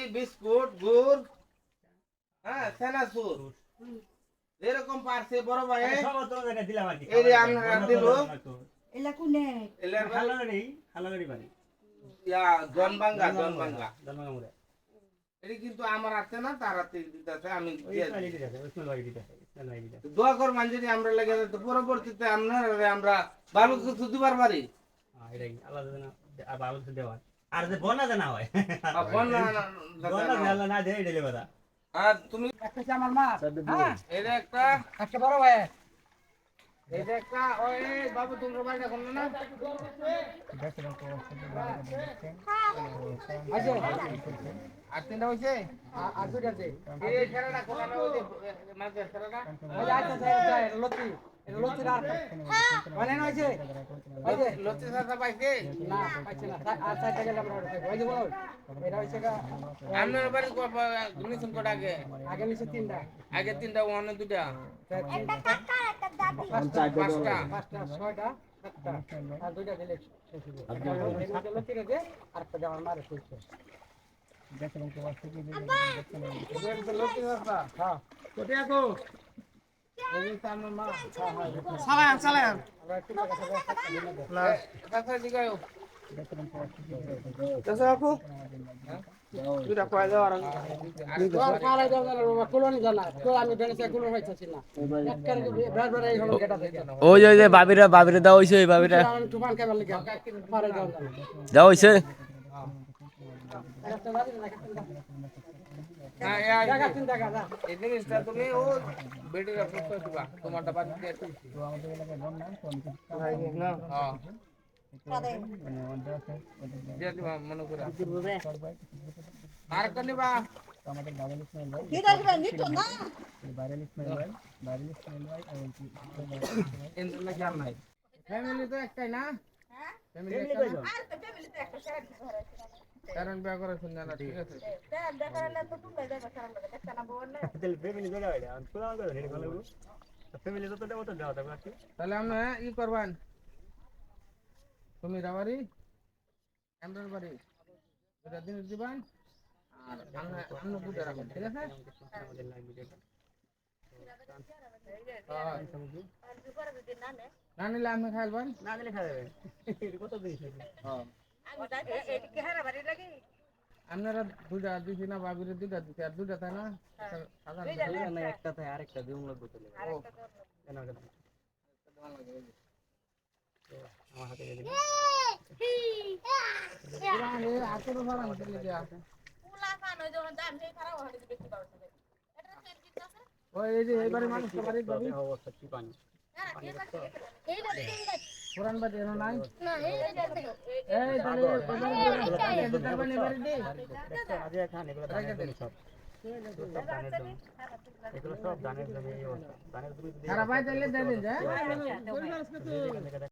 biscuit গুড় হ্যাঁ চানাচুর যেরকম পারছে বড় ভাই সব তো এটা দিলাম আর কি এই যে আমরা দিল এলা কোনে এলার খালাগাড়ি বাড়ি ইয়া জনবাঙ্গা মুরে এটা কিন্তু আমার হাতে না তার হাতে দিতেছে আমি ওই স্মাইলি দিতেছে ওই ভাই দিতেছে স্মাইলি দিতেছে দোয়া কর যদি আমরা লাগে তো পরবর্তীতে আমরা ভালো কিছু দিবার পারি হ্যাঁ এটাই আল্লাহ জানা আর ভালো কিছু দেওয়া আর যে বন্যা জানা হয় বন্যা না দেয় এটা লেবা আর তুমি একটা আমার মা হ্যাঁ এটা একটা একটা বড় ভাই এটা একটা ওই বাবু তোমার বাড়িটা কোন না আছে আর তিনটা হইছে আর দুইটা আছে এই খেলাটা কোন না ওই মাঝে খেলাটা ওই যে আচ্ছা যায় লতি লতি আর মানে নইছে ওই যে লতি সাথে পাইছে না পাইছে না আর চারটা গেল আমরা ওই যে বল এটা হইছে আপনার বাড়ি গুনিছন কোটা আগে নিচে তিনটা আগে তিনটা ওখানে দুটা একটা কাকা একটা দাদি পাঁচটা পাঁচটা ছয়টা সাতটা আর দুইটা দিলে শেষ হবে লতি রে আর একটা আমার মারে কইছে দেখেন তো আছে কি লতি সাথে হ্যাঁ কোটে আকো এই সামনে মা চালান আমরা একটু কাছে দিগাও কাছে আপু দুটা কয় দাও আর কালাই দাও না কোলনি জানা তো আমি বেনেছে কোলন হইতাছি না একবার বের এই হলো গেটা থেকে ওই যে বাবিরে দাও হইছে ওই বাবিরা আমি তুফান কেবল লাগা পারে দাও দাও হইছে একটা দাদি না একটা না টাকা তিন টাকা না এই জিনিসটা তুমি ও বেটির প্রশ্ন দিবা তোমারটা বাদ দিয়ে তো আমাদের এলাকায় বল না না হ্যাঁ কাদে দিয়ে দিবা মনে করে আর কনিবা আমাদের বাঙালি স্মেল ভাই কি দেখবেন নিতো না ভাইরাল স্মেল ভাই আর ইন্টারনেট আর নাই ফ্যামিলি তো একটাই না হ্যাঁ ফ্যামিলি আর তো ফ্যামিলিতে একটা শেয়ার ঘরে কারণ বিয়া করে শুননা না ঠিক আছে দেখালে তো তুমি দেখো সারা লাগে একটা না বল না তেল ফ্যামিলি জায়গা হইলা আমি কোলা করে রেডি করে লাগলো ফ্যামিলি তো দেবো তো দাও তবে কি তাহলে আমরা ই করবান তুমি রাবারি এমরার বাড়ি এটা দিন দিবান আর আমরা দুটো রাখো ঠিক আছে আমাদের লাগবে যেটা না নিলে আমি খাইলবান না দিলে খাবে কত দিন হ্যাঁ আমি দেখে এদিকে হারা বাড়ি লাগি আপনারা দুটা দিছি না বাবিরে দুটা দিছি আর দুটা তাই না সাধারণ না একটা তাই আরেকটা দিউম লাগবে চলে কেন কেন আমার হাতে গেলে পুরান আতর ভাড়া দিলে যা পুলা খান ওই যখন দাম সেই খারাপ হয়ে বেশি পাওয়া যাবে এটা সেট দিতে আছে ওই এই যে এবারে মানুষ বাড়ি যাবি অবস্থা কি পানি এইটা তিনটা পুরান বাড়ি এর নাই না এইটা এই তাহলে এবারে বাড়ি বাড়ি দে আজ খান এগুলো ধানের জমি সব এগুলো সব ধানের জমি এই অবস্থা ধানের জমি খারাপ হয় তাহলে দে দিন যা